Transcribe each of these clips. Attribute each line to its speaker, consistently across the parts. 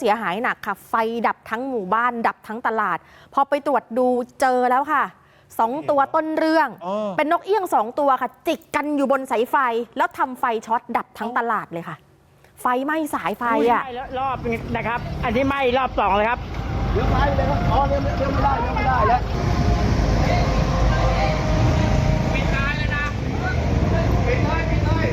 Speaker 1: เสียหายหนักค่ะไฟดับทั้งหมู่บ้านดับทั้งตลาดพอไปตรวจดูเจอแล้วค่ะ2 ตัวต้นเรื่องเป็นนกเอี้ยง2 ตัวค่ะจิกกันอยู่บนสายไฟแล้วทำไฟช็อตดับทั้งตลาดเลยค่ะไฟไหม้สายไฟอ่ะ
Speaker 2: รอบนะครับอันนี้ไหม้รอบ2เลยครับ
Speaker 3: เดี๋ยวไฟเลยครับอ๋อเดี๋ยวไม่ได้แล้วปิดร้านเลยนะปิดเลย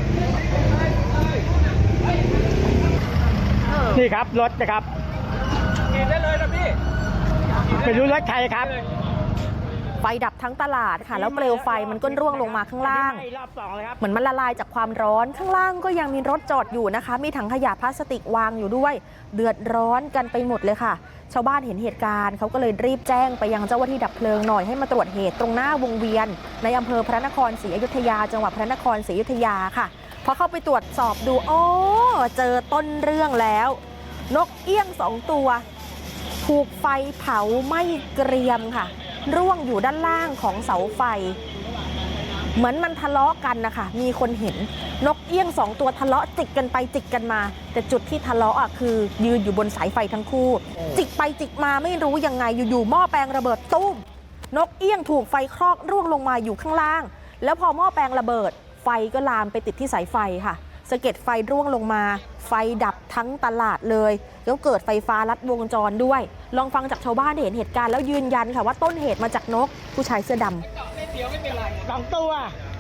Speaker 2: นี่ครับรถนะครับ
Speaker 3: กินได้เลยนะพี่
Speaker 2: ไม่รู้รถใครครับ
Speaker 1: ไฟดับทั้งตลาดค่ะแล้วเปลวไฟมันก็ร่วงลงมาข้างล่างเหมือนมันละลายจากความร้อนข้างล่างก็ยังมีรถจอดอยู่นะคะมีถังขยะพลาสติกวางอยู่ด้วยเดือดร้อนกันไปหมดเลยค่ะชาวบ้านเห็นเหตุการณ์เขาก็เลยรีบแจ้งไปยังเจ้าหน้าที่ดับเพลิงหน่อยให้มาตรวจเหตุตรงหน้าวงเวียนในอำเภอพระนครศรีอยุธยาจังหวัดพระนครศรีอยุธยาค่ะพอเข้าไปตรวจสอบดูอ๋อเจอต้นเรื่องแล้วนกเอี้ยง2 ตัวถูกไฟเผาไหม้เกรียมค่ะร่วงอยู่ด้านล่างของเสาไฟเหมือนมันทะเลาะกันนะคะมีคนเห็นนกเอี้ยง2 ตัวทะเลาะจิกกันไปจิกกันมาแต่จุดที่ทะเลาะคือยืนอยู่บนสายไฟทั้งคู่จิกไปจิกมาไม่รู้ยังไงอยู่ๆหม้อแปลงระเบิดตุ้มนกเอี้ยงถูกไฟคลอกร่วงลงมาอยู่ข้างล่างแล้วพอหม้อแปลงระเบิดไฟก็ลามไปติดที่สายไฟค่ะสะเก็ดไฟร่วงลงมาไฟดับทั้งตลาดเลยแล้วเกิดไฟฟ้าลัดวงจรด้วยลองฟังจากชาวบ้านที่เห็นเหตุการณ์แล้วยืนยันค่ะว่าต้นเหตุมาจากนกผู้ชายเสื้อด
Speaker 2: ำ2 ตัว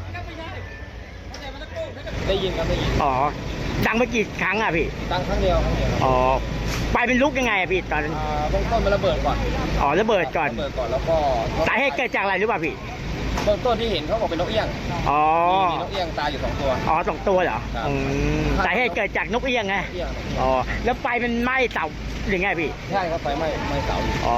Speaker 3: ได้ยินครับได้ยิน
Speaker 2: อ๋อดังไปกี่ครั้งอ่ะพี่
Speaker 3: ดังครั้งเดียว
Speaker 2: อ๋อไฟเป็นลุกยังไงอ่ะพี่ตอน
Speaker 3: เบื้องต้นมันระเบิดก่อน
Speaker 2: อ๋อระเบิดก่อน
Speaker 3: แล้วก็
Speaker 2: สาเหตุเกิดจากอะไรหรือเปล่าพี่
Speaker 3: เบื้องต้นที่เห็นเขาบอกเป็นนกเอี้ยง
Speaker 2: อ๋อ
Speaker 3: มีนกเอี้ยงตายอยู่2 ตัว
Speaker 2: อ๋อ2 ตัวเหรอสาเหตุเกิดจากนกเอี้ยงไงอ๋อแล้วไฟมันไหม้เสาหรือไงพี่
Speaker 3: ใช่ครับไฟไหม้เสา
Speaker 2: อ๋อ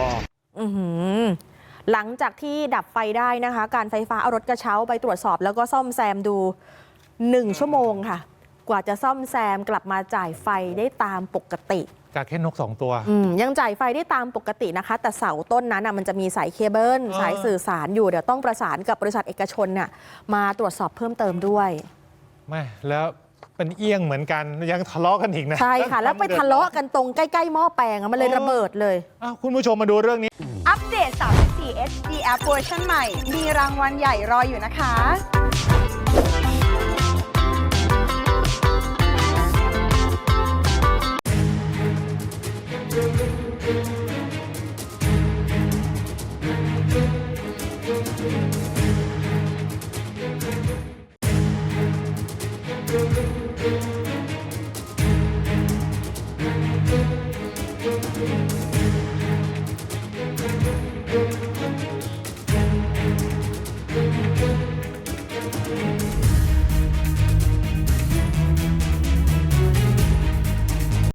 Speaker 1: หลังจากที่ดับไฟได้นะคะการไฟฟ้าเอารถกระเช้าไปตรวจสอบแล้วก็ซ่อมแซมดู1 ชั่วโมงค่ะกว่าจะซ่อมแซมกลับมาจ่ายไฟได้ตามปกติ
Speaker 4: จากแค่นก2 ตัว
Speaker 1: ยังจ่ายไฟได้ตามปกตินะคะแต่เสาต้นนั้นมันจะมีสายเคเบิลสายสื่อสารอยู่เดี๋ยวต้องประสานกับบริษัทเอกชนมาตรวจสอบเพิ่มเติมด้วย
Speaker 4: ไม่แล้วเป็นเอี้ยงเหมือนกันยังทะเลาะกันอีกนะ
Speaker 1: ใช่ค่ะแล้วไปทะเลาะกันตรงใกล้ๆหม้อแปลงมันเลยระเบิดเลย
Speaker 4: คุณผู้ชมมาดูเรื่องนี้
Speaker 5: อัปเดต34 HD App เวอร์ชันใหม่มีรางวัลใหญ่รออยู่นะคะ